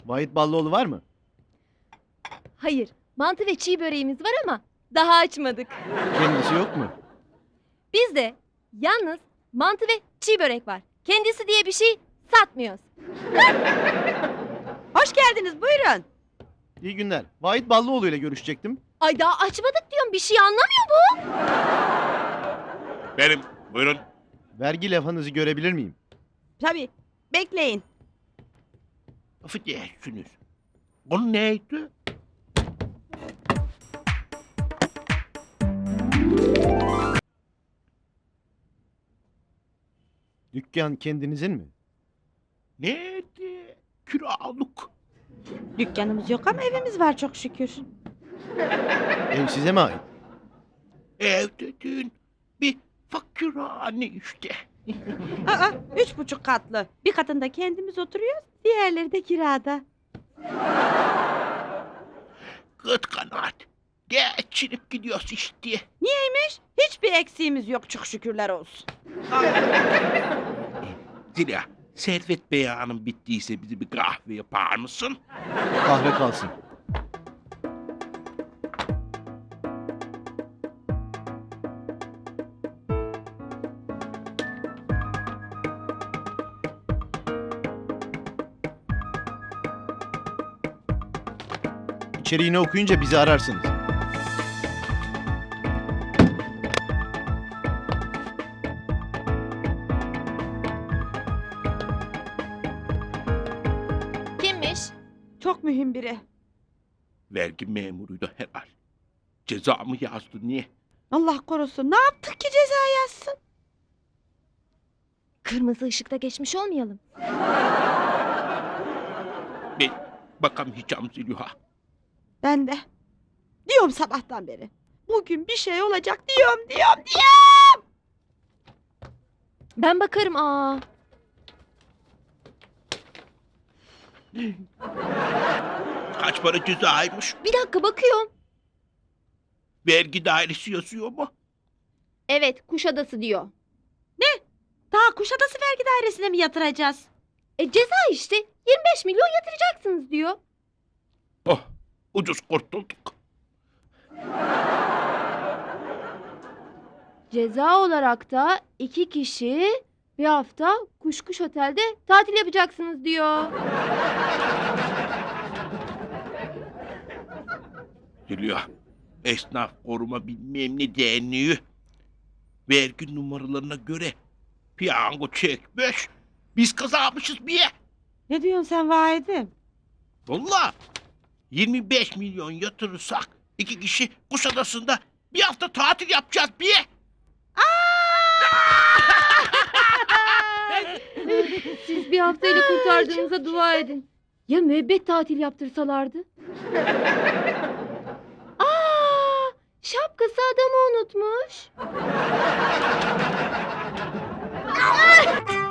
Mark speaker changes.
Speaker 1: Vahit Ballıoğlu var mı?
Speaker 2: Hayır, mantı ve çiğ böreğimiz var ama daha açmadık.
Speaker 1: Kendisi yok mu?
Speaker 2: Bizde yalnız mantı ve çiğ börek var. Kendisi diye bir şey satmıyoruz.
Speaker 3: Hoş geldiniz, buyurun.
Speaker 1: İyi günler. Vahit Ballıoğlu ile görüşecektim.
Speaker 2: Ay daha açmadık diyorum, bir şey anlamıyor bu.
Speaker 4: Benim. Buyurun.
Speaker 1: Vergi levhanızı görebilir miyim?
Speaker 3: Tabii, bekleyin.
Speaker 4: Affedersiniz. Bu neydi?
Speaker 1: Dükkan kendinizin mi?
Speaker 4: Neydi? Kiralık.
Speaker 3: Dükkanımız yok ama evimiz var çok şükür.
Speaker 1: Ev size mi ait?
Speaker 4: Ev dediğin bir fakirhane işte.
Speaker 3: Aa, 3,5 katlı. Bir katında kendimiz oturuyoruz, diğerleri de kirada.
Speaker 4: Kıt kanaat. Geçinip gidiyoruz işte.
Speaker 3: Niyeymiş? Hiçbir eksiğimiz yok çok şükürler olsun.
Speaker 4: Zira Servet beyanın bittiyse bize bir kahve yapar mısın?
Speaker 1: Kahve kalsın. İçeriğini okuyunca bizi ararsınız.
Speaker 2: Kimmiş?
Speaker 3: Çok mühim biri.
Speaker 4: Vergi memuruydu herhal. Ceza mı yazdı niye?
Speaker 3: Allah korusun, ne yaptık ki ceza yazsın?
Speaker 2: Kırmızı ışıkta geçmiş olmayalım.
Speaker 4: Ben bakamayacağım Zülüha.
Speaker 3: Ben de. Diyorum sabahtan beri. Bugün bir şey olacak diyorum.
Speaker 2: Ben bakarım aa.
Speaker 4: Kaç para cezaymış?
Speaker 2: Bir dakika bakıyorum.
Speaker 4: Vergi dairesi yazıyor mu?
Speaker 2: Evet, Kuşadası diyor.
Speaker 3: Daha Kuşadası Vergi Dairesi'ne mi yatıracağız?
Speaker 2: Ceza işte. 25 milyon yatıracaksınız diyor.
Speaker 4: Oh, ucuz kurtulduk.
Speaker 2: Ceza olarak da 2 kişi bir hafta Kuşkuş Otel'de tatil yapacaksınız diyor.
Speaker 4: Zülüha, esnaf koruma bilmem ne derneği vergi numaralarına göre piyango çekmiş. Biz kazanmışız bir ye.
Speaker 3: Ne diyorsun sen Vahit'im?
Speaker 4: Valla 25 milyon yatırırsak 2 kişi Kuşadası'nda bir hafta tatil yapacağız bir ye.
Speaker 2: Siz bir haftayla kurtardığınıza dua edin. Ya müebbet tatil yaptırsalardı? Aa, şapkası adamı unutmuş.